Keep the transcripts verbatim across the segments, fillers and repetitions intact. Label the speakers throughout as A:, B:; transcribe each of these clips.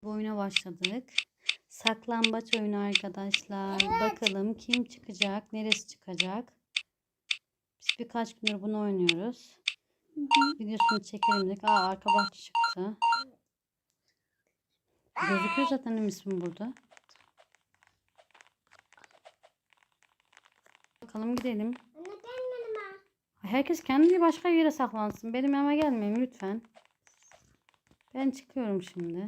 A: Bu oyuna başladık. Saklambaç oyunu arkadaşlar. Bakalım kim çıkacak, neresi çıkacak. Biz birkaç gündür bunu oynuyoruz.
B: Hı hı.
A: Videosunu çekelim dedik. Aa, arka bahçe çıktı. Gözüküyor zaten benim ismim burada. Bakalım gidelim. Herkes kendi başka bir yere saklansın. Benim eve gelmeyin lütfen. Ben çıkıyorum şimdi.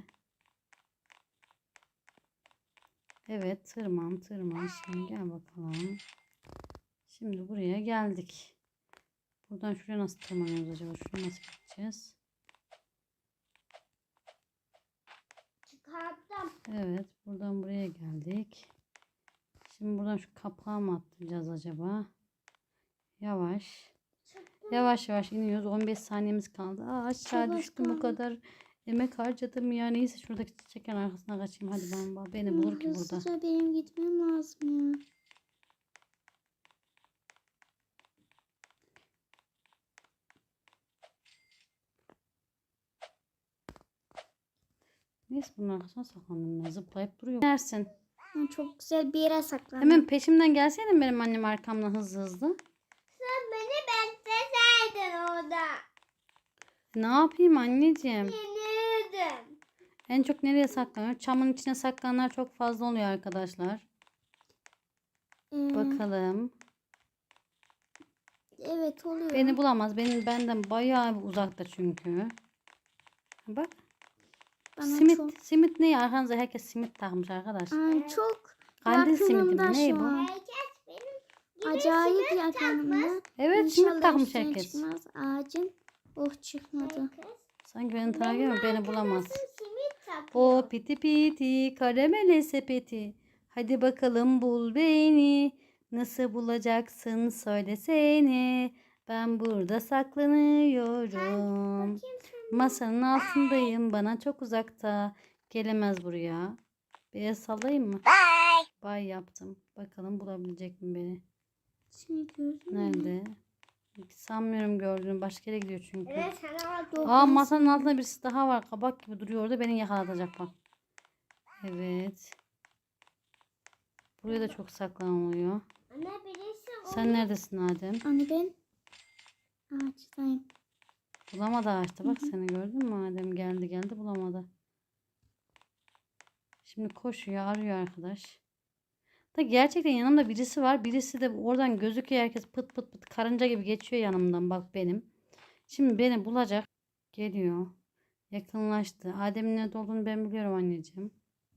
A: Evet, tırman tırman. Şimdi gel bakalım. Şimdi buraya geldik. Buradan şuraya nasıl tırmanıyoruz acaba? Şuraya nasıl gideceğiz?
B: Çıkarttım.
A: Evet, buradan buraya geldik. Şimdi buradan şu kapağı mı atlayacağız acaba? Yavaş.
B: Çıktım.
A: Yavaş yavaş iniyoruz. on beş saniyemiz kaldı. Aa, aşağı
B: Çok az
A: düştüm. Bu
B: kaldı.
A: kadar emek harcadım ya. Neyse şuradaki çiçeğin arkasına kaçayım. Hadi ben beni bulur ki burada.
B: Hızlıca benim gitmem lazım ya.
A: Neyse bunun arkasına saklandım ben. Zıplayıp duruyor. Nersin?
B: Ben çok güzel bir yere saklandım.
A: Hemen peşimden gelseydin benim annem arkamdan hızlı hızlı.
B: Sen beni bekleseydin orada.
A: Ne yapayım anneciğim?
B: Yenirdim.
A: En çok nereye saklanıyor? Çamın içine saklananlar çok fazla oluyor arkadaşlar.
B: Ee,
A: Bakalım.
B: Evet oluyor.
A: Beni bulamaz. Benim benden bayağı uzakta çünkü. Bak.
B: Bana
A: Simit.
B: çok...
A: Simit ne? Arkanıza herkes simit takmış arkadaş.
B: Ay, çok
A: Kandil simidi mi?
B: yakınımda
A: Ne
B: şu
A: bu?
B: an. Acayip yakınımda.
A: Evet simit
B: İnşallah
A: takmış
B: üstüne
A: herkes.
B: çıkmaz ağacın. Oh, çıkmadı.
A: Sanki beni takip ama beni bulamaz.
B: Simit takıyor.
A: O piti piti karamele sepeti. Hadi bakalım bul beni. Nasıl bulacaksın söylesene. Ben burada saklanıyorum. Masanın altındayım. Bana çok uzakta. Gelemez buraya. Bir el sallayayım mı? Bye. Bye yaptım. Bakalım bulabilecek mi beni?
B: Şimdi gördün mü?
A: Nerede? Sanmıyorum gördüğüm. Başka yere gidiyor çünkü.
B: Evet, sana bak.
A: Aa, masanın altında birisi daha var. Kabak gibi duruyor orada. Beni yakalatacak bak. Evet. Buraya da çok saklanılıyor.
B: Anne birisi
A: Sen neredesin Adem?
B: Anne ben ağaçtayım.
A: Bulamadı ağaçta. Bak seni gördün mü Adem? Geldi geldi bulamadı. Şimdi koşuyor arıyor arkadaş. Da gerçekten yanımda birisi var. Birisi de oradan gözüküyor. Herkes pıt pıt pıt karınca gibi geçiyor yanımdan. Bak benim. Şimdi beni bulacak. Geliyor. Yakınlaştı. Adem'in nerede olduğunu ben biliyorum anneciğim.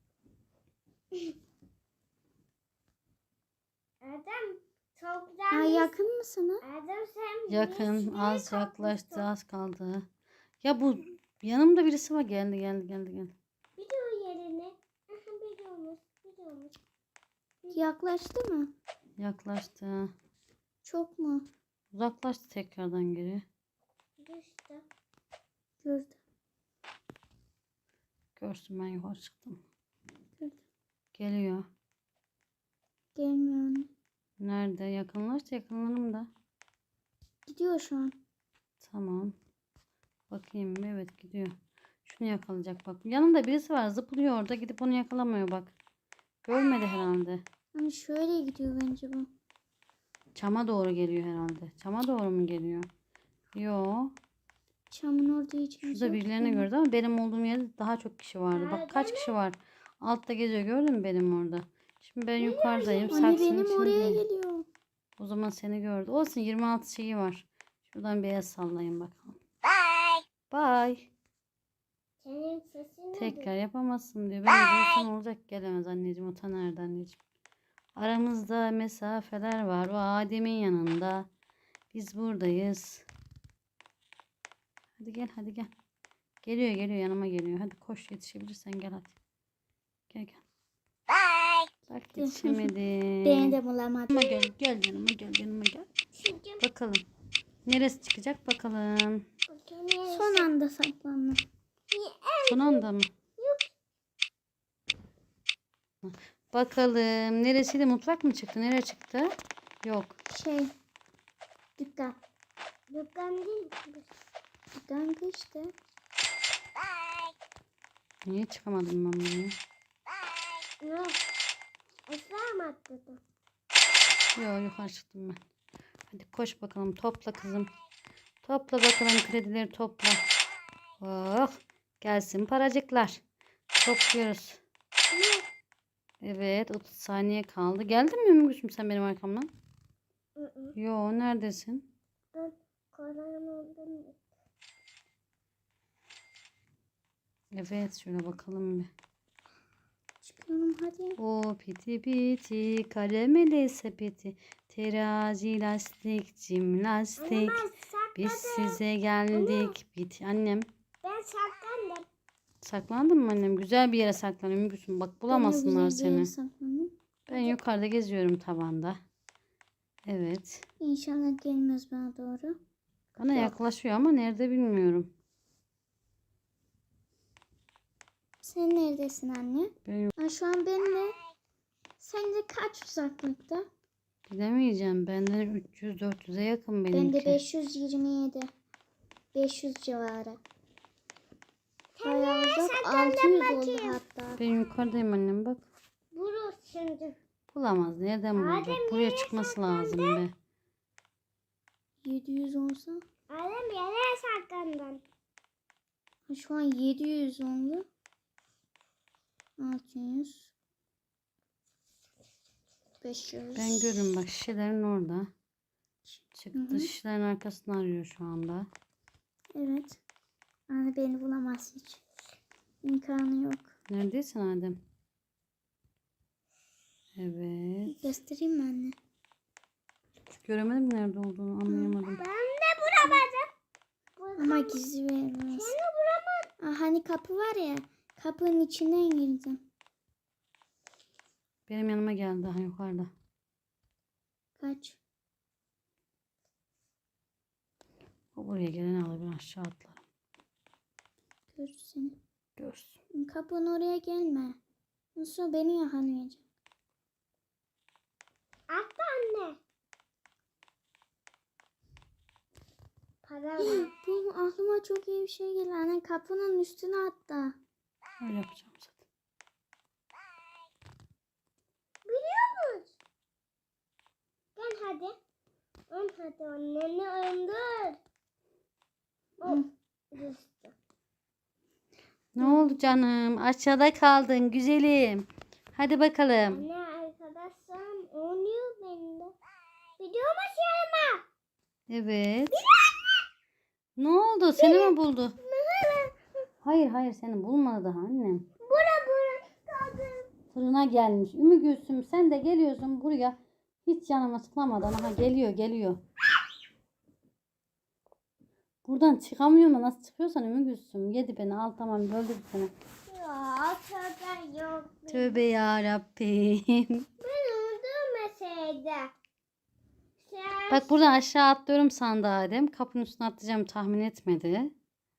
B: Adam çok güzel. Ay, yakın mı sana? Adam sen
A: Yakın. Az yaklaştı. Az kaldı. Ya bu yanımda birisi var. Geldi geldi geldi geldi.
B: Biliyor yerini. Biliyormuş. Biliyormuş. Yaklaştı mı?
A: Yaklaştı.
B: Çok mu?
A: Uzaklaştı tekrardan geri.
B: Düştü. Gördüm.
A: Görsün ben yukarı çıktım.
B: Gördüm.
A: Geliyor.
B: Gelmiyor anne.
A: Nerede? Yakınlaştı yakınlarımda.
B: Gidiyor şu an.
A: Tamam. Bakayım. Evet gidiyor. Şunu yakalayacak bak. Yanında birisi var. Zıplıyor orada. Gidip onu yakalamıyor bak. Görmedi herhalde.
B: Hani şöyle gidiyor bence bu.
A: Çama doğru geliyor herhalde. Çama doğru mu geliyor? Yo.
B: Çamın orada hiç kimse
A: Şurada
B: yok.
A: birilerini gördü ama benim olduğum yerde daha çok kişi vardı. Bak kaç kişi var. Altta geziyor. Gördün mü benim orada? Şimdi ben yukarıdayım.
B: Anne
A: Saksının
B: benim oraya
A: içindeyim.
B: geliyor.
A: O zaman seni gördü. Olsun yirmi altı şeyi var. Şuradan bir el sallayın bakalım. Bye. Bye.
B: Senin sesin
A: Tekrar yapamazsın diyor. Ben duysan olacak gelemez anneciğim. O ta nerede anneciğim? Aramızda mesafeler var. O Adem'in yanında. Biz buradayız. Hadi gel hadi gel. Geliyor geliyor yanıma geliyor. Hadi koş yetişebilirsen gel hadi. Gel gel. Bye. Bak yetişemedim.
B: Beni de bulamadı.
A: Yanıma gel gel yanıma gel yanıma gel. Bakalım. Neresi çıkacak bakalım.
B: Son anda saklandım.
A: Son anda mı? Bakalım. Neresiydi? Mutfak mı çıktı? Nereye çıktı? Yok.
B: Şey. Dükkan. Dükkan değil. Dükkan işte.
A: Niye çıkamadım ben bunu?
B: Yok. Aşağı mı atladın?
A: Yok, yukarı çıktım ben. Hadi koş bakalım, topla kızım. Topla bakalım, kredileri topla. Oh, gelsin paracıklar. Topluyoruz.
B: Ne?
A: Evet, otuz saniye kaldı. Geldin mi Ümmügül'süm sen benim arkamdan?
B: Hı hı.
A: Yo, neredesin?
B: Ben koronamdan
A: Evet, şöyle bakalım bir.
B: çıkıyorum hadi.
A: O piti piti karamele sepeti, terazi lastik cimnastik, biz size geldik. Bit annem.
B: Ben saklandım.
A: Saklandın mı annem? Güzel bir yere saklan Ümmügül'süm. Bak bulamasınlar seni.
B: Saklanayım.
A: Ben yukarıda geziyorum tavanda. Evet.
B: İnşallah gelmez bana doğru.
A: Bana yaklaşıyor ama nerede bilmiyorum.
B: Sen neredesin anne?
A: Ben
B: Ha, şu an benimle. Sence kaç uzaklıkta?
A: gidemeyeceğim. Benden üç yüz dört yüze yakın
B: Ben
A: benimki.
B: de beş yüz yirmi yedi. beş yüz civarı. Bayağı uzak. altı yüz oldu hatta.
A: Ben yukarıdayım annem bak.
B: Burası şimdi.
A: Bulamaz. Nereden bulacak?
B: Adem,
A: Buraya
B: nereye
A: çıkması lazım be.
B: yedi yüz olsa. Adem nereye saklandın? Ha, şu an yedi yüz oldu. altı yüz. beş yüz.
A: Ben görürüm bak, şişelerin orada. Çıktı.
B: Hı hı.
A: Şişelerin arkasını arıyor şu anda.
B: Evet. Anne beni bulamaz hiç. İmkanı yok.
A: Neredesin Adem? Evet.
B: Göstereyim mi anne?
A: Göremedim nerede olduğunu, anlayamadım.
B: Ben de bulamadım. Ama gizli vermez. Seni bulamadım. Aa, hani kapı var ya. Kapının içinden girdim.
A: Benim yanıma geldi daha yukarıda.
B: Kaç?
A: O buraya geleni alır, ben aşağı atlarım.
B: Gör seni.
A: Görsün.
B: Kapının oraya gelme. Nasıl beni yakalayacak? Atla anne. Para var. Bu aklıma çok iyi bir şey geldi. Anne kapının üstüne atla.
A: Öyle yapacağım zaten.
B: Biliyor musun? Gel hadi. Ön hadi anneni öndür. Oh, düştü.
A: Ne oldu canım? Aşağıda kaldın güzelim. Hadi bakalım.
B: Anne arkadaşlarım oynuyor benimle. Biliyor musun yanıma?
A: Evet. Ne oldu? Seni mi buldu? Hayır hayır, seni bulmadı daha annem.
B: Bura bura kaldım.
A: Fırına gelmiş. Ümmü Gülsüm, sen de geliyorsun buraya. Hiç canıma sıklamadan. Aha geliyor geliyor. Buradan çıkamıyor mu? Nasıl çıkıyorsan Ümmü Gülsüm. Yedi beni, al tamam, öldürdü seni.
B: Ya tövbe yok.
A: Tövbe yarabbim.
B: Ben öldürmeseydim. Sen
A: Bak buradan aşağı atlıyorum sandı Adem. Kapının üstüne atlayacağım tahmin etmedi.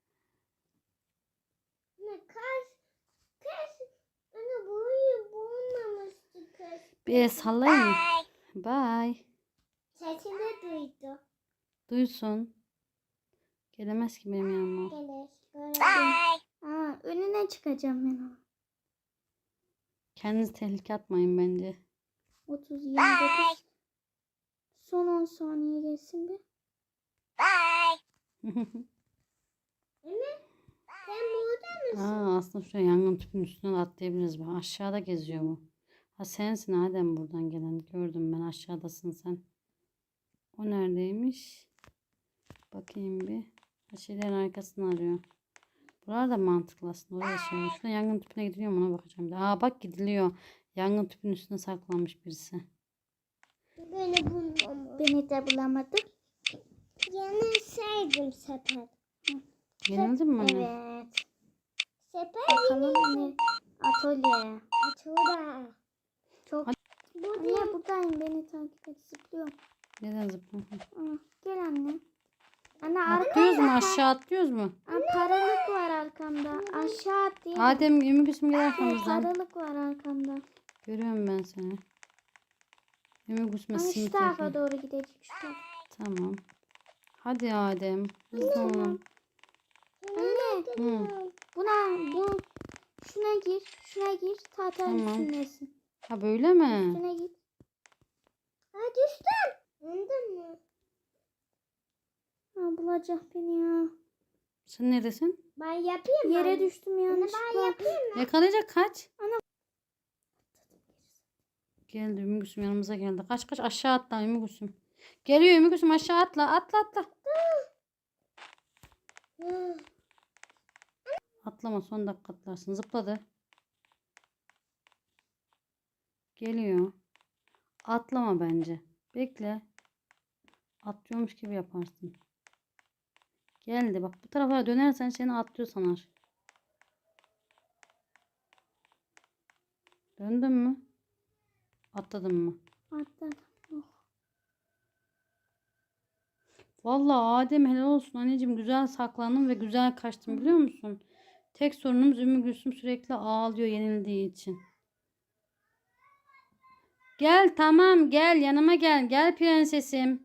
B: ne kaç kaç anne boyu bulmamıştı kız.
A: Bir el sallayayım mı? Bye.
B: Sesini duydu.
A: Duysun. Gelemez ki benim yanıma.
B: Gelir. Bye. Aa, önüne çıkacağım ben ona.
A: Kendinizi tehlikeye atmayın bence.
B: otuz yirmi dokuz. Son on saniye geçsin bir. Anne sen burada mısın?
A: Aa, aslında şuraya yangın tüpünün üstüne de atlayabiliriz. Bak aşağıda geziyor bu. Ha sensin Adem buradan gelen. Gördüm ben, aşağıdasın sen. O neredeymiş? Bakayım bir. Ha, şeylerin arkasını arıyor. Buralar da mantıklı aslında. Oraya şey olmuş. Şurada yangın tüpüne gidiliyor mu, ona bakacağım. Bir de. Aa bak, gidiliyor. Yangın tüpünün üstüne saklanmış birisi.
B: Beni bulmamış. Beni de bulamadı. Yenilseydim sepet.
A: Yenildin mi anne?
B: Evet. Sepet bakalım ne? Atölye. Atölye. Çok.
A: Hadi.
B: Anne buradayım, beni takip et, zıplıyorum.
A: Neden zıplıyorsun?
B: Aa, gel anne. Anne
A: Atlıyoruz mu?
B: arkamda.
A: Aşağı atlıyoruz mu?
B: Aa, paralık var arkamda. Aşağı at diye.
A: Adem, Ümmü Gülsüm gel
B: Aa,
A: arkamızdan.
B: paralık var arkamda.
A: Görüyorum ben seni. Ümmü Gülsüm'e
B: Aa, şu
A: simit
B: tarafa
A: yapıyor.
B: doğru gidecek, şu tarafa.
A: Tamam. Hadi Adem. Hızlı olun.
B: Anne.
A: Hı.
B: Buna bu Şuna gir. Şuna gir. Tahtanın
A: Tamam.
B: üstündesin.
A: Ha böyle mi?
B: Üstüne git. Ha düştüm. Öldün mü? Ha bulacak beni ya.
A: Sen neredesin?
B: Ben yapayım mı? Yere düştüm yanlışlıkla. Ben yapayım mı?
A: Yakalayacak kaç.
B: Ana.
A: Geldi Ümmü Gülsüm yanımıza geldi. Kaç kaç aşağı atla Ümmü Gülsüm. Geliyor Ümmü Gülsüm aşağı atla atla atla. Atlama son dakika atlarsın. Zıpladı. Geliyor. Atlama bence. Bekle. Atlıyormuş gibi yaparsın. Geldi bak bu tarafa dönersen seni atlıyor sanar. Döndün mü? Atladın mı?
B: Atladım. Oh.
A: Vallahi Adem helal olsun anneciğim güzel saklandın ve güzel kaçtın biliyor musun? Tek sorunumuz Ümmü Gülsüm sürekli ağlıyor yenildiği için. Gel tamam gel yanıma gel. Gel prensesim.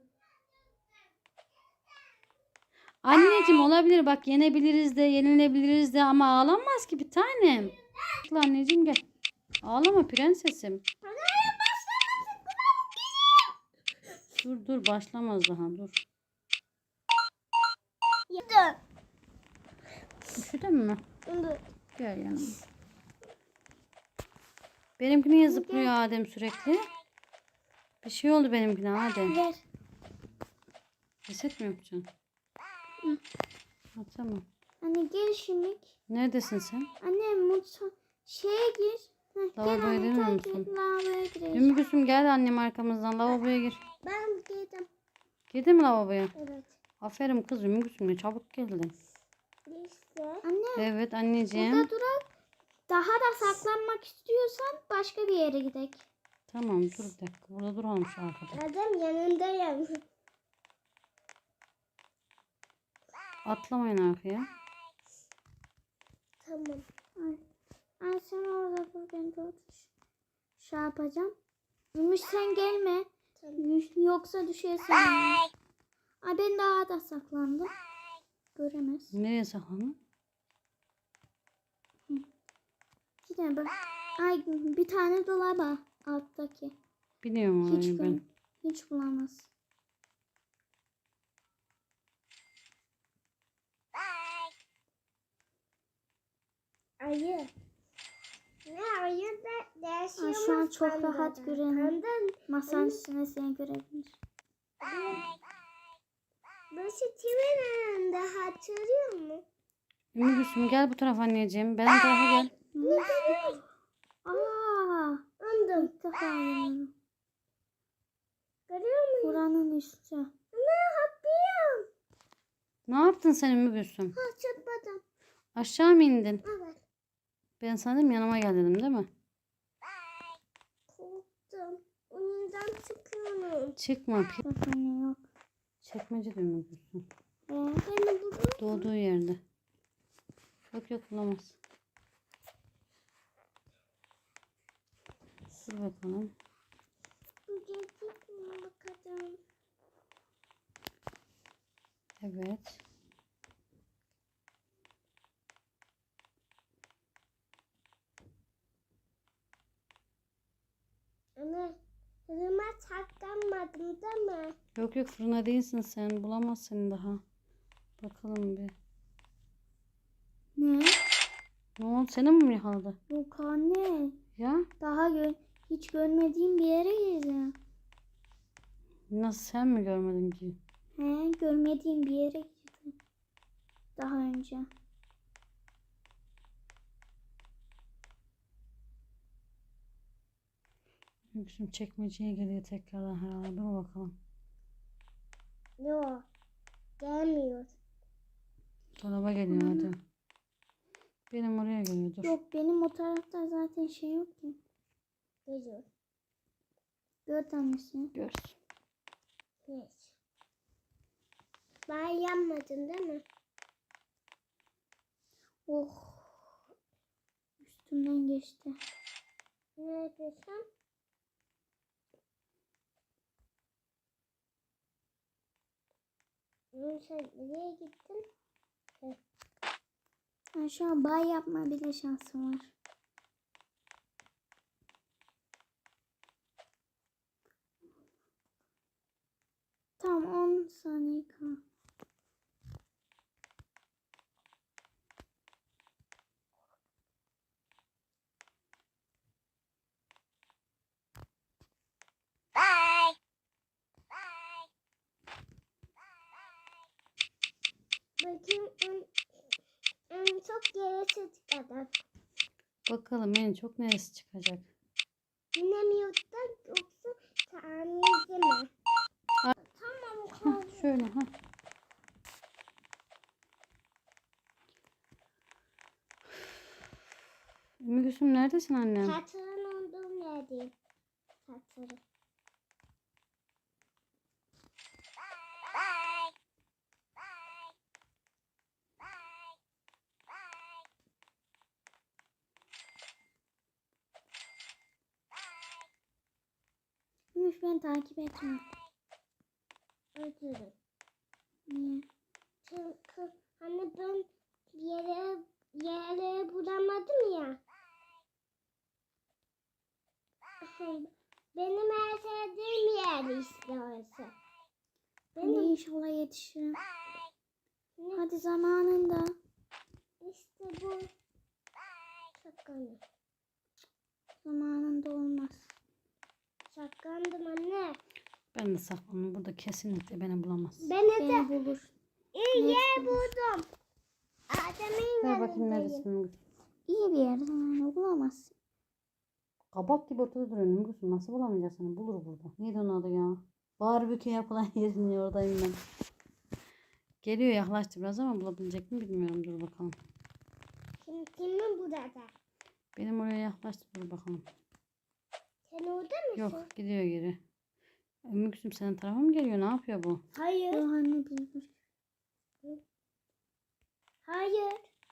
A: Anneciğim olabilir bak yenebiliriz de yenilebiliriz de ama ağlamaz ki bir tanem. Gel anneciğim gel. Ağlama prensesim. Dur dur başlamaz daha dur.
B: Dur.
A: Üşüdün mü?
B: Dur.
A: Gel yanıma. Benimki niye zıplıyor Adem sürekli? Bir şey oldu benimkine Adem.
B: Ver.
A: Reset mi yapacaksın?
B: Hı.
A: Ha, tamam.
B: Anne gel şimdi.
A: Neredesin sen?
B: Anne mutfağa şeye gir. Heh, gel
A: Lavaboya
B: anne
A: girmiyor
B: takip
A: musun?
B: et. Lavaboya gireceğiz.
A: Ümmü Gülsüm gel annem arkamızdan lavaboya gir.
B: Ben girdim.
A: Girdin mi lavaboya?
B: Evet.
A: Aferin kız Ümmü Gülsüm ne çabuk geldin.
B: İşte. Anne.
A: Evet anneciğim.
B: Burada durak. Daha da saklanmak istiyorsan başka bir yere gidelim.
A: Tamam dur bir dakika. Burada duralım şu arkada.
B: Adam yanındayım.
A: Atlamayın arkaya.
B: Tamam. Ay. Ay sen orada dur ben de otur. Şey yapacağım. Gümüş sen gelme. Tamam. Yoksa düşersin. Ay ben daha da saklandım. Göremez.
A: Nereye saklandın?
B: Gidin bak. Ay bir tane dolaba alttaki.
A: Biliyorum
B: Hiç
A: orayı ben.
B: gör- hiç bulamaz. Ayı. Ne ayı da değişiyor. Şu an çok rahat görünüyor. Masanın üstüne seni görebilir. Başı kimin önünde hatırlıyor musun?
A: Ümmü Gülsüm gel bu tarafa anneciğim. Ben bu tarafa gel.
B: Aa, andım. İlk defa görüyorum. Görüyor musun? Buranın üstü. Ne yapayım?
A: Ne yaptın sen Ümmü Gülsüm?
B: Ha çıkmadım.
A: Aşağı mı indin?
B: Evet.
A: Ben sanırım yanıma gel dedim değil mi?
B: Korktum. Oyundan çıkıyorum.
A: Çıkma. pi-
B: Bak anne yok.
A: Çekmece de Ümmü Gülsüm.
B: Ee, beni burada.
A: Doğduğu yerde. Yok yok bulamaz. Dur bakalım.
B: Bu gelecek mi bakalım.
A: Evet.
B: Anne, fırına saklanmadım değil mi?
A: Yok yok fırına değilsin sen. Bulamaz seni daha. Bakalım bir.
B: Ne?
A: Ne oldu? Seni mi yakaladı?
B: Yok anne.
A: Ya?
B: Daha gö hiç görmediğim bir yere girdim.
A: Nasıl sen mi görmedin ki?
B: He, görmediğim bir yere girdim. Daha önce.
A: Yüksüm çekmeceye geliyor tekrardan herhalde. Dur bakalım.
B: Yok. Gelmiyor.
A: Dolaba geliyor hadi. Benim oraya geliyor dur.
B: Yok benim o tarafta zaten şey yok ki. Geliyor. Gör tanesi.
A: Görsün.
B: Geç. Ben yanmadın değil mi? Oh. Üstümden geçti. Neredesin? Sen nereye gittin? Ben şu an bay yapma bile şansım var. Tam on saniye kal.
C: Bakayım en, en çok yarısı çıkacak.
A: Bakalım en çok neresi çıkacak?
C: Yine mi yoksa yoksa tamirci mi?
A: Ha.
C: Tamam
A: Hah,
C: kaldı.
A: şöyle ha. Ümmü Gülsüm neredesin annem?
C: Tatırın olduğum yerdeyim. Tatırı.
B: Gümüş beni takip etme.
C: Özürüm.
B: Niye?
C: Çünkü hani ben yere yere bulamadım ya. Benim en sevdiğim yer işte orası.
B: Hadi
C: Benim
B: inşallah yetişirim.
C: ne?
B: Hadi zamanında.
C: İşte bu. Şakanım.
B: Zamanında olmaz.
C: Şakandım anne.
A: Ben de saklandım. Burada kesinlikle beni bulamaz.
C: Beni de
B: Beni bulur.
C: iyi
B: Net
C: yer
B: bulur.
C: buldum. Adem'in
A: Ver bakayım
C: yanındayım.
A: neredesin Ümmü Gülsüm?
B: İyi bir yer zamanı bulamazsın.
A: Kabak gibi ortada duruyor Ümmü Gülsüm. Nasıl bulamayacağız seni? Bulur burada. Neydi onun adı ya? Barbekü yapılan yerin ya, oradayım ben. Geliyor, yaklaştı biraz ama bulabilecek mi bilmiyorum. Dur bakalım.
C: Kim, kimin burada?
A: Benim oraya yaklaştı. Dur bakalım.
C: Sen orada mısın?
A: Yok, gidiyor geri. Ümmü Gülsüm senin tarafa mı geliyor? Ne yapıyor bu?
C: Hayır.
B: Yok anne bilmiyorum.
C: Hayır.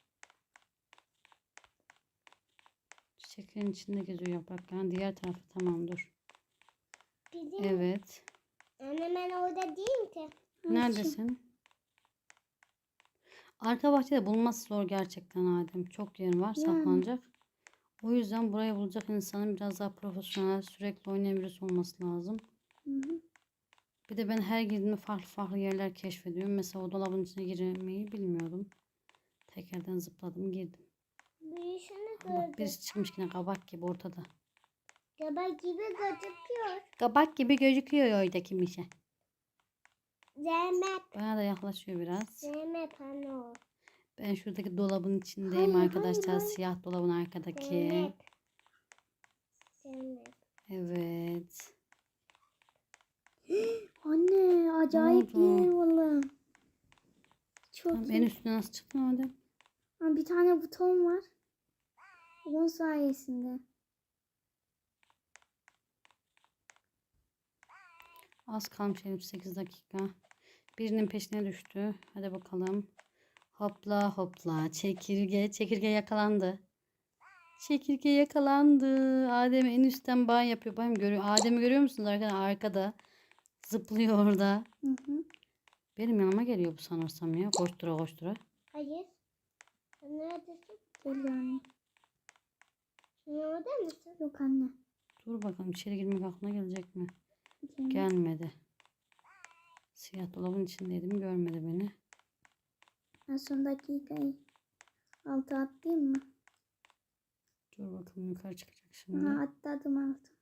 A: Çiçeklerin içinde geziyor yaprakların. Diğer tarafı tamam dur.
C: Bizim
A: Evet.
C: anne ben orada değilim ki.
A: Neredesin? Arka bahçede bulması zor gerçekten Adem. Çok yer var
B: Yani.
A: saklanacak. O yüzden burayı bulacak insanın biraz daha profesyonel, sürekli oynayan birisi olması lazım.
B: Hı hı.
A: Bir de ben her girdiğimde farklı farklı yerler keşfediyorum. Mesela o dolabın içine girmeyi bilmiyordum. Tekrardan zıpladım girdim.
C: Büyüsünü
A: Ama bak
C: gördüm.
A: birisi çıkmış yine kabak gibi ortada.
C: Gaba gibi gözüküyor.
A: Kabak gibi gözüküyor oradaki mişe.
C: Zeynep.
A: Bana da yaklaşıyor biraz.
C: Zeynep anne o.
A: Ben şuradaki dolabın içindeyim
B: Hayır,
A: arkadaşlar.
B: hayır, hayır.
A: Siyah dolabın arkadaki.
C: Zeynep. Zeynep.
A: Evet.
B: Anne acayip bir
A: oldu?
B: yer valla. Çok
A: Tamam,
B: iyi.
A: en üstüne nasıl çıktın Adem?
B: Ha, bir tane buton var. Onun sayesinde.
A: Az kalmış elli sekiz dakika. Birinin peşine düştü. Hadi bakalım. Hopla hopla. Çekirge. Çekirge yakalandı. Çekirge yakalandı. Adem en üstten ban yapıyor. Bakın görüyor. Adem'i görüyor musunuz arkadaşlar? Arkada. Zıplıyor orada.
B: Hı hı.
A: Benim yanıma geliyor bu sanırsam ya. Koştura koştura.
C: Hayır. Sen neredesin?
B: Geliyor anne.
C: Sen orada mısın?
B: Yok anne.
A: Dur bakalım içeri girmek aklına gelecek mi?
B: Gelme.
A: Gelmedi. Siyah dolabın içindeydim. Görmedi beni.
B: Ben son dakikayı altı atlayayım mı?
A: Dur bakalım yukarı çıkacak şimdi.
B: Aha atladım altı.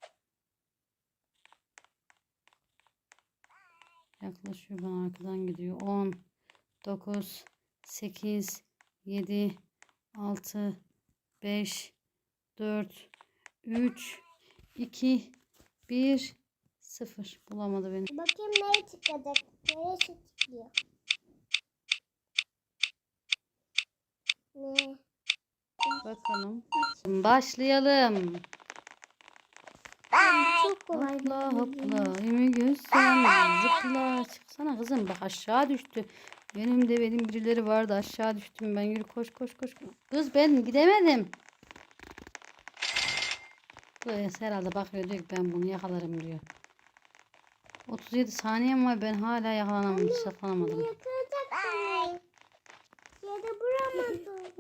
A: Yaklaşıyor bana arkadan gidiyor. on, dokuz, sekiz, yedi, altı, beş, dört, üç, iki, bir, sıfır. Bulamadı beni.
C: Bakayım nereye çıkacak? Nereye çıkıyor? Ne?
A: Bakalım. Başlayalım.
B: Çok kolay bir
A: Hopla
B: oyun.
A: hopla. Ümmü Gülsüm zıpla. Çıksana kızım bak aşağı düştü. Önümde benim birileri vardı aşağı düştüm ben. Yürü koş koş koş. Kız ben gidemedim. Kız herhalde bakıyor diyor ki ben bunu yakalarım diyor. otuz yedi saniyem var ben hala yakalanamadım. Saklanamadım.
C: Yakalayacak beni. Yere vuramadım.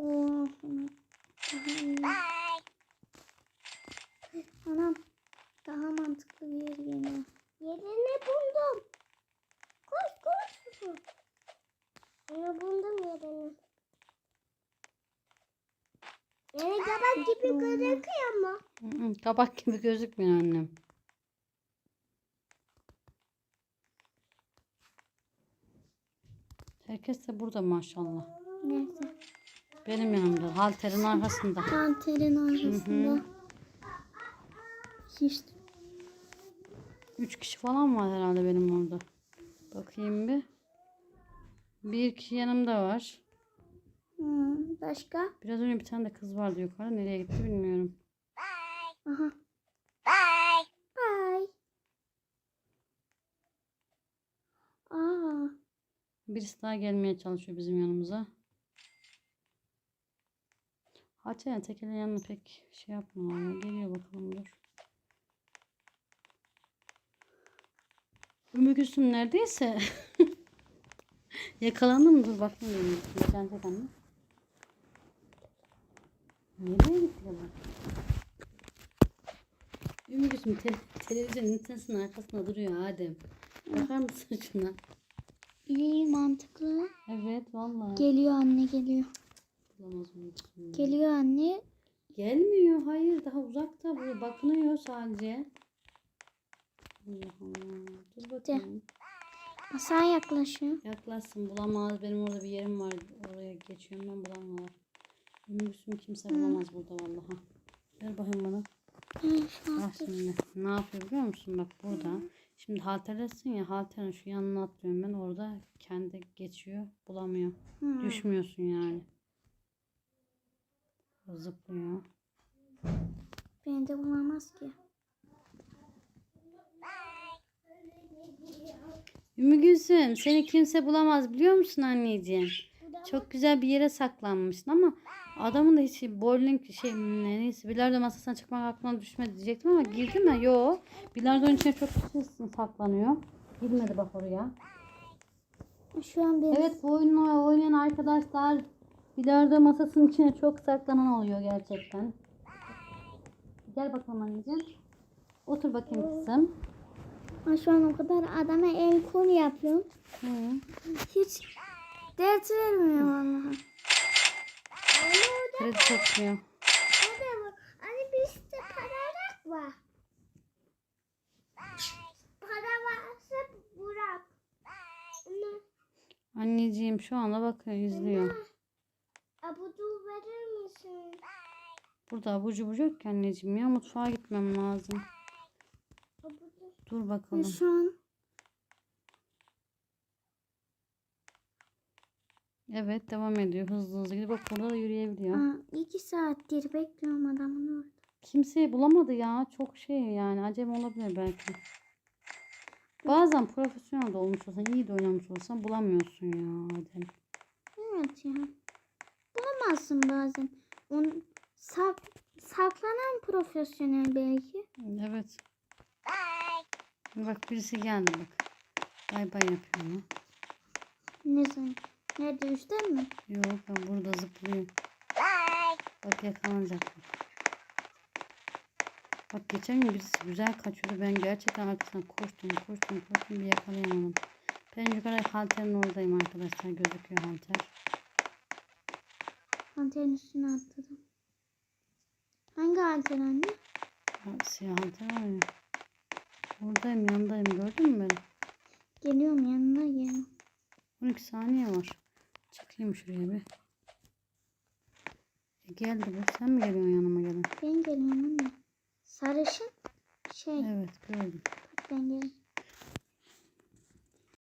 B: mantıklı bir yer geliyor.
C: Yerini buldum. Koş koş. Onu buldum yerini. Yani kabak gibi gözüküyor mu?
A: Hı hı, kabak gibi gözükmüyor annem. Herkes de burada maşallah.
B: Nerede?
A: Benim yanımda. Halterin arkasında.
B: Kanterin arkasında. İşte.
A: Üç kişi falan var herhalde benim orada. Bakayım bir. Bir kişi yanımda var.
B: Hmm, başka?
A: Biraz önce bir tane de kız vardı yukarıda. Nereye gitti bilmiyorum.
B: Aha. Bye. Bye. Aa.
A: Birisi daha gelmeye çalışıyor bizim yanımıza. Hatta tekelin yanına pek şey yapmıyor ya. Geliyor bakalım dur. Ümmü Gülsüm neredeyse. Yakalandı mı? Dur bakayım benim. Geçen tek anne. Nereye gitti ya bak. Ümmü Gülsüm te televizyon ünitesinin arkasında duruyor Adem. Bakar mısın şuna?
B: İyi mantıklı.
A: Evet vallahi.
B: Geliyor anne geliyor.
A: Bulamaz Ümmü Gülsüm.
B: Geliyor anne.
A: Gelmiyor. Hayır daha uzakta. Bu bakınıyor sadece. Allah Allah. Dur bakayım.
B: Masaya yaklaşıyor.
A: Yaklaşsın bulamaz. Benim orada bir yerim var. Oraya geçiyorum ben bulamıyorlar. Ümmü kimse bulamaz burada vallahi. Ver bakayım bana.
B: Hı, şu
A: Bak
B: an-
A: şimdi ne yapıyor biliyor musun? Bak burada. Şimdi halterlesin ya halterin şu yanına atlıyorum ben. Orada kendi geçiyor. Bulamıyor.
B: Hı.
A: Düşmüyorsun yani. Zıplıyor.
B: Beni de bulamaz ki.
A: Ümmü Gülsüm seni kimse bulamaz biliyor musun anneciğim? Çok güzel bir yere saklanmışsın ama adamın da hiç bowling şey ne- neyse bilardo masasına çıkmak aklına düşmedi diyecektim ama girdi mi? Yok. Bilardonun içine çok kişi saklanıyor. Girmedi bak oraya.
B: Şu an benim.
A: Evet bu oyunu oynayan arkadaşlar bilardo masasının içine çok saklanan oluyor gerçekten. Gel bakalım anneciğim. Otur bakayım kızım.
B: Ben şu an o kadar adama el kol yapıyorum.
A: Hı.
B: Hiç dert vermiyor vallahi.
A: Kredi topluyor.
C: Hani bizde para var. Para varsa bırak. Anne,
A: Anneciğim şu anda bakıyor izliyor.
C: abudu verir misin?
A: Burada abur cubur yok ki anneciğim ya mutfağa gitmem lazım.
C: Abudu.
A: Dur
B: Ben
A: bakalım.
B: şu an
A: Evet devam ediyor hızlı hızlı gidip bak burada da yürüyebiliyor.
B: aa, iki saattir bekliyorum adamın orada.
A: Kimseyi bulamadı ya çok şey yani acemi olabilir belki. Bazen profesyonel de olmuş olsan iyi de oynamış olsan bulamıyorsun ya Adem.
B: Evet ya. Bulamazsın bazen. Onun sak, saklanan profesyonel belki.
A: Evet. Bak birisi geldi bak. Bay bay yapıyor mu?
B: Ne zaman? Nerede üstten mi?
A: Yok ben burada zıplıyor. Bak yakalanacak. Bak geçen gün birisi güzel kaçıyordu. Ben gerçekten arkasından koştum koştum koştum bir yakalayamadım. Ben yukarı halterin oradayım arkadaşlar. Gözüküyor halter.
B: Antenin üstüne atladım. Hangi anten anne?
A: Ha, siyah halter var ya. Oradayım yanındayım gördün mü beni?
B: Geliyorum yanına geliyorum.
A: on iki saniye var. Çıkayım şuraya bir. E, geldi be. Sen mi geliyorsun yanıma gelin?
B: Ben geliyorum anne. Sarışın şey.
A: Evet gördüm.
B: Bak ben geliyorum.